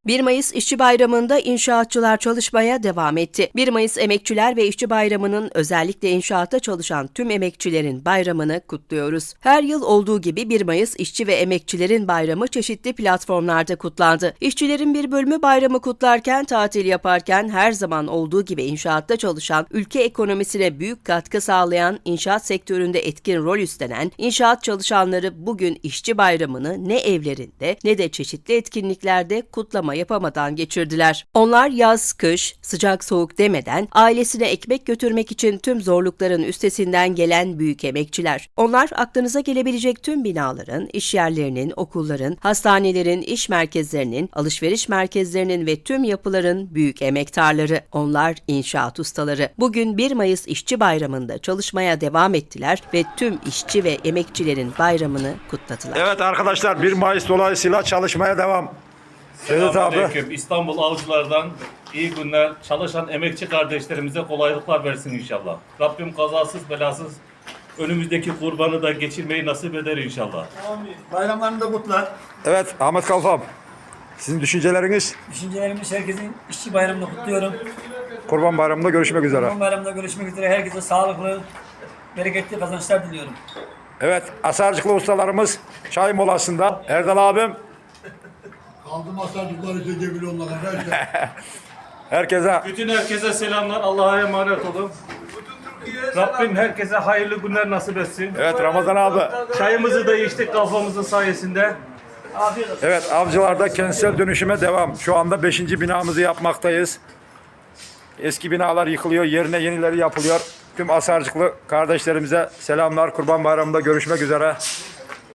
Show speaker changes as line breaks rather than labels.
1 Mayıs İşçi Bayramı'nda inşaatçılar çalışmaya devam etti. 1 Mayıs Emekçiler ve İşçi Bayramı'nın özellikle inşaatta çalışan tüm emekçilerin bayramını kutluyoruz. Her yıl olduğu gibi 1 Mayıs İşçi ve Emekçilerin Bayramı çeşitli platformlarda kutlandı. İşçilerin bir bölümü bayramı kutlarken, tatil yaparken her zaman olduğu gibi inşaatta çalışan, ülke ekonomisine büyük katkı sağlayan, inşaat sektöründe etkin rol üstlenen inşaat çalışanları bugün İşçi Bayramı'nı ne evlerinde ne de çeşitli etkinliklerde kutlama yapamadan geçirdiler. Onlar yaz, kış, sıcak soğuk demeden ailesine ekmek götürmek için tüm zorlukların üstesinden gelen büyük emekçiler. Onlar aklınıza gelebilecek tüm binaların, iş yerlerinin, okulların, hastanelerin, iş merkezlerinin, alışveriş merkezlerinin ve tüm yapıların büyük emektarları. Onlar inşaat ustaları. Bugün 1 Mayıs İşçi Bayramı'nda çalışmaya devam ettiler ve tüm işçi ve emekçilerin bayramını kutladılar.
Evet arkadaşlar, 1 Mayıs dolayısıyla çalışmaya devam. Sedat abi.
Selamünaleyküm. İstanbul Avcılar'dan iyi günler. Çalışan emekçi kardeşlerimize kolaylıklar versin inşallah. Rabbim kazasız belasız önümüzdeki kurbanı da geçirmeyi nasip eder inşallah.
Bayramlarını da kutlar.
Evet Ahmet Kalfam. Sizin düşünceleriniz?
Düşüncelerimiz herkesin işçi bayramını kutluyorum.
Kurban Bayramı'nda görüşmek üzere.
Kurban bayramında görüşmek üzere. Herkese sağlıklı, bereketli kazançlar diliyorum.
Evet, asarcıklı ustalarımız çay molasında. Erdal abim.
Kaldım asarcıklar için cebili onlara.
Herkese
Bütün herkese selamlar. Allah'a emanet olun. Rabbim herkese hayırlı günler nasip etsin.
evet Ramazan abi.
Çayımızı da içtik kafamızın sayesinde.
Evet, Avcılar'da kentsel dönüşüme devam. Şu anda 5. binamızı yapmaktayız. Eski binalar yıkılıyor, yerine yenileri yapılıyor. Tüm asarcıklı kardeşlerimize selamlar. Kurban Bayramı'nda görüşmek üzere.